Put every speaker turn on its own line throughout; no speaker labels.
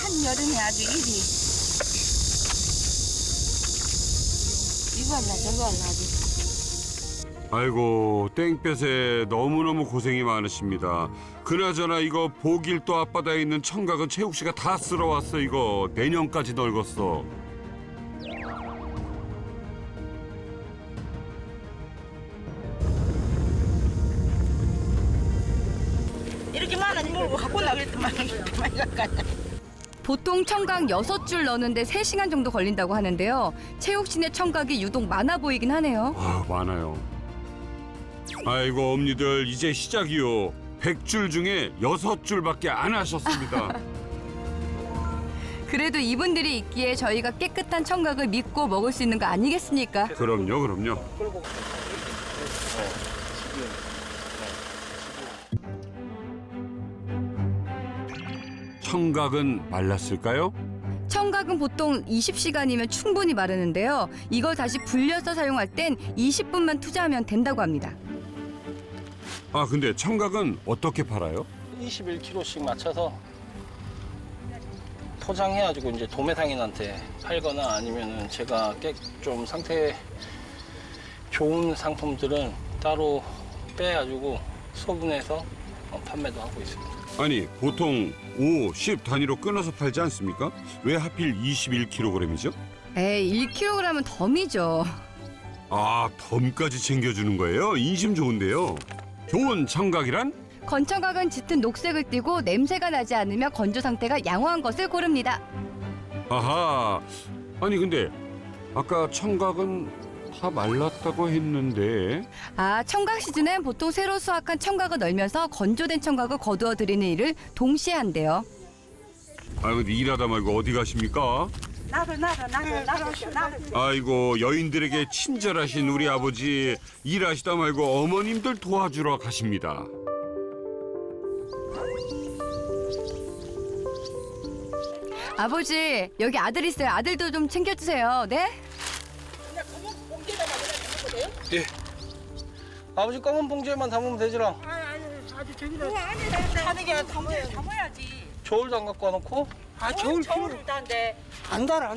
한여름에 아주 일이 이거 할라 저거 할라 아주.
아이고 땡볕에 너무너무 고생이 많으십니다. 그나저나 이거 보길도 앞바다에 있는 청각은 최욱 씨가 다 쓸어왔어. 이거 내년까지 널궜어.
이렇게 많은 뭘 갖고 나겠더만 많이 갈까.
보통 청각 6줄 넣는데 3시간 정도 걸린다고 하는데요. 최욱 씨네 청각이 유독 많아 보이긴 하네요.
아 많아요. 아이고 엄니들 이제 시작이요. 100줄 중에 6줄밖에 안 하셨습니다.
그래도 이분들이 있기에 저희가 깨끗한 청각을 믿고 먹을 수 있는 거 아니겠습니까?
그럼요, 그럼요. 청각은 말랐을까요?
청각은 보통 20시간이면 충분히 마르는데요. 이걸 다시 불려서 사용할 땐 20분만 투자하면 된다고 합니다.
아 근데 청각은 어떻게 팔아요?
21kg씩 맞춰서 포장해가지고 이제 도매상인한테 팔거나 아니면은 제가 좀 상태 좋은 상품들은 따로 빼가지고 소분해서 판매도 하고 있습니다.
아니 보통 5, 10 단위로 끊어서 팔지 않습니까? 왜 하필 21kg이죠?
에이, 1kg은 덤이죠.
아 덤까지 챙겨주는 거예요? 인심 좋은데요. 좋은 청각이란?
건청각은 짙은 녹색을 띠고 냄새가 나지 않으며 건조 상태가 양호한 것을 고릅니다.
아하. 아니 근데 아까 청각은 다 말랐다고 했는데
아, 청각 시즌엔 보통 새로 수확한 청각을 널면서 건조된 청각을 거두어 드리는 일을 동시에 한대요.
아 근데 일하다 말고 어디 가십니까?
나도
아이고 여인들에게 친절하신 우리 아버지 일하시다 말고 어머님들 도와주러 가십니다.
아버지, 여기 아들 있어요. 아들도 좀 챙겨주세요. 네?
예. 아버지 검은 봉지에만 담으면 되지라.
아주 저기다 하는 게 담아야지.
저울도 안 갖고 와놓고.
저울 저울을 다는데
안 달아.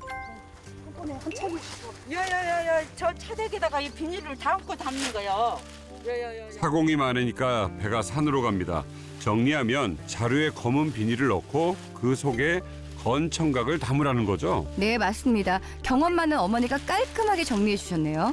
야야야야 저 차대기다가 이 비닐을 담고 담는 거요. 야야야.
사공이 많으니까 배가 산으로 갑니다. 정리하면 자루에 검은 비닐을 넣고 그 속에 건 청각을 담으라는 거죠.
네, 맞습니다. 경험 많은 어머니가 깔끔하게 정리해 주셨네요.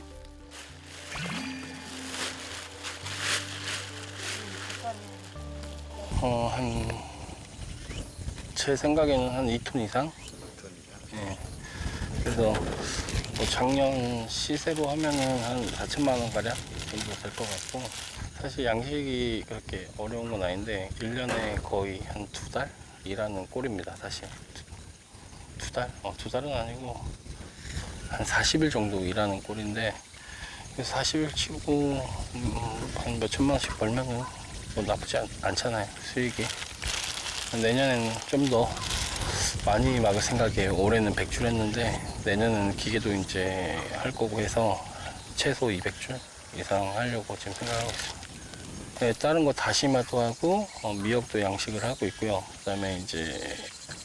제 생각에는 한 2톤 이상? 예. 그래서 뭐 작년 시세로 하면은 한 4천만 원 가량 정도 될 것 같고, 사실 양식이 그렇게 어려운 건 아닌데 1년에 거의 한 2달 일하는 꼴입니다. 사실 2달? 2달은 아니고 한 40일 정도 일하는 꼴인데, 40일 치고 한 몇 천만 원씩 벌면은 뭐 나쁘지 않잖아요, 수익이. 내년에는 좀 더 많이 막을 생각이에요. 올해는 100줄 했는데 내년은 기계도 이제 할 거고 해서 최소 200줄 이상 하려고 지금 생각하고 있습니다. 네, 다른 거 다시마도 하고 미역도 양식을 하고 있고요. 그다음에 이제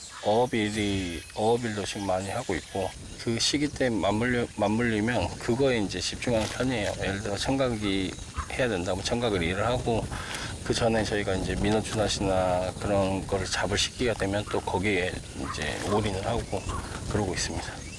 어업일도 지금 많이 하고 있고, 그 시기 때 맞물리면 그거에 이제 집중하는 편이에요. 예를 들어 청각이 해야 된다면 청각을 일을 하고, 그 전에 저희가 이제 민어주낫이나 그런 거를 잡을 시기가 되면 또 거기에 이제 올인을 하고 그러고 있습니다.